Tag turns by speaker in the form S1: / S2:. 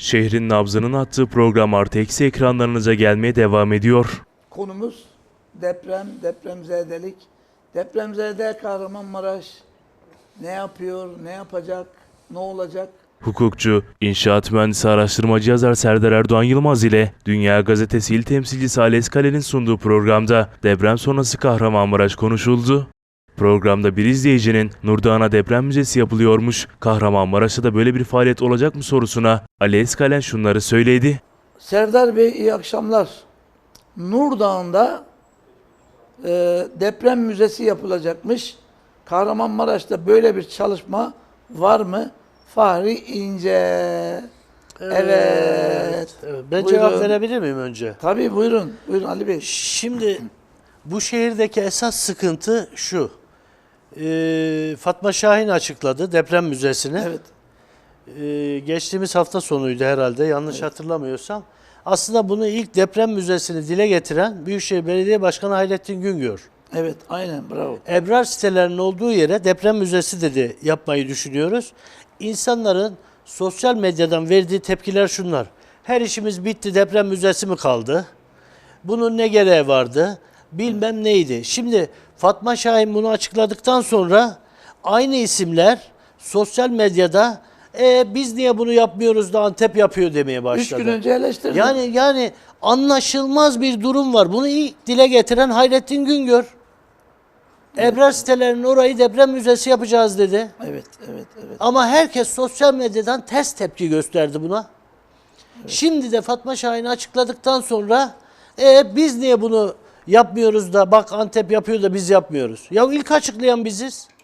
S1: Şehrin nabzının attığı program artı eksi ekranlarınıza gelmeye devam ediyor.
S2: Konumuz deprem, depremzedelik. Depremzede Kahramanmaraş ne yapıyor, ne yapacak, ne olacak?
S1: Hukukçu, inşaat mühendisi araştırmacı yazar Serdar Erdoğan Yılmaz ile Dünya Gazetesi il temsilcisi Ali Eskale'nin sunduğu programda deprem sonrası Kahramanmaraş konuşuldu. Programda bir izleyicinin Nurdağ'a deprem müzesi yapılıyormuş, Kahramanmaraş'ta da böyle bir faaliyet olacak mı sorusuna Ali Eskalen şunları söyledi.
S2: Serdar Bey iyi akşamlar. Nurdağ'ında deprem müzesi yapılacakmış. Kahramanmaraş'ta böyle bir çalışma var mı? Fahri İnce. Evet.
S3: Ben
S2: Buyurun.
S3: cevap verebilir miyim önce?
S2: Tabii buyurun. Buyurun Ali Bey.
S3: Şimdi bu şehirdeki esas sıkıntı şu. Fatma Şahin açıkladı deprem müzesini.
S2: Evet.
S3: Geçtiğimiz hafta sonuydu herhalde yanlış hatırlamıyorsam. Aslında bunu ilk deprem müzesini dile getiren Büyükşehir Belediye Başkanı Hayrettin Güngör.
S2: Evet, aynen bravo.
S3: Ebrar sitelerinin olduğu yere deprem müzesi dedi yapmayı düşünüyoruz. İnsanların sosyal medyadan verdiği tepkiler şunlar. Her işimiz bitti, deprem müzesi mi kaldı? Bunun ne gereği vardı? Bilmem neydi. Şimdi Fatma Şahin bunu açıkladıktan sonra aynı isimler sosyal medyada biz niye bunu yapmıyoruz da Antep yapıyor demeye başladı.
S2: 3 gün önce eleştirdim.
S3: Yani anlaşılmaz bir durum var. Bunu ilk dile getiren Hayrettin Güngör. Ebrar sitelerinin orayı deprem müzesi yapacağız dedi.
S2: Evet.
S3: Ama herkes sosyal medyadan ters tepki gösterdi buna. Evet. Şimdi de Fatma Şahin'i açıkladıktan sonra biz niye bunu yapmıyoruz da bak Antep yapıyor da biz yapmıyoruz. Ya ilk açıklayan biziz.